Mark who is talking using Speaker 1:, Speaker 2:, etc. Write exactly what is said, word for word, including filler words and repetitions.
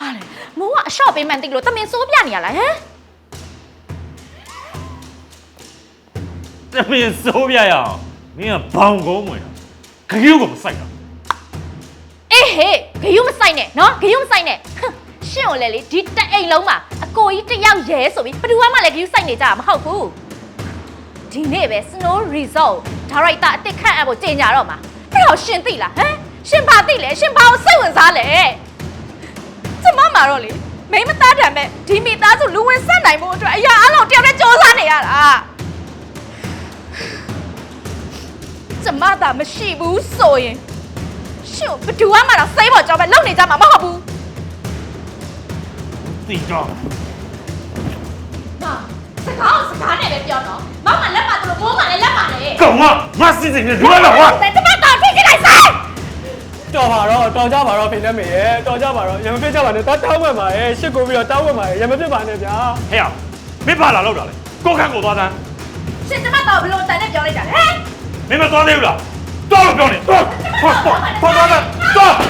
Speaker 1: ဘာလဲမိုးကအရှော့ပေးမှန်းသိလို့တမင်စိုးပြနေရလားဟမ်
Speaker 2: တမင်စိုးပြရအောင်မင်းကဘောင်ကုန်းဝင်ခရုကိုမဆိုင်တာ
Speaker 1: အေးဟေးဂယုမဆိုင်နဲ့နော်ဂယုမဆိုင်နဲ့ရှင့်ကိုလည်းလေဒီတအိမ်လုံးမှာအကိုကြီးတယောက်ရဲဆိုပြီးဘယ်သူမှလည်းဂယုဆိုင်နေကြတာမဟုတ်ဘူးဒီနေ့ပဲ Snow Resort ဒါရိုက်တာအစ်စ်ခန့်အပ်ဖို့ကြေညာတော့မှာအဲ့တော့ရှင်သိလားဟမ်ရှင်ဘာသိလဲရှင်ဘာကိုစိတ်ဝင်စားလဲကျမမှာတော့လေမိမသားတံမဲ့ဒီမိသားစုလူဝင်ဆက်နိုင်ဖို့အတွက်အရာအလုံးတယောက်တည်းစ조사နေရတာကျမသာမရှိဘူးဆိုရင်ရှင်ဘယ်သူမှတော့စိတ်ပေါ်ကြောပဲလုံနေကြမှာမဟုတ်ဘူး
Speaker 2: သိတော့
Speaker 1: မစကားစကားနဲ့ပဲပြောတော့မောင်ကလက်ပါတို့မိုးကလည်းလက်ပါလေ
Speaker 2: ကောင်မမစစ်စစ်နဲ့လွယ်တော့ဟာ
Speaker 1: ကျမတော့ဖြစ်ကြလိုက်ဆိုင်
Speaker 3: တော်ပါတော့တော်ကြပါတော့ဖိနေမေရဲ့တော်ကြပါတော့ရမပြစ်ကြပါနဲ့တောင်းဝင်ပါရဲ့ရှစ်ကိုပြီးတော့တောင်းဝင်ပါရဲ့ရမပြစ်ပါနဲ့ဗျာ
Speaker 2: ဟဲ့အောင်မင်းပါလာလောက်တာလေကိုခန့်ကိုသွားတန်း
Speaker 1: ရှင်ကျမတော့ဘလို့တန်နဲ့ပြောလိုက်တာဟဲ့
Speaker 2: မင်းမသွားသေးဘူးလားသွားလို့ပြောနေသွားသွားသွားသွားသွား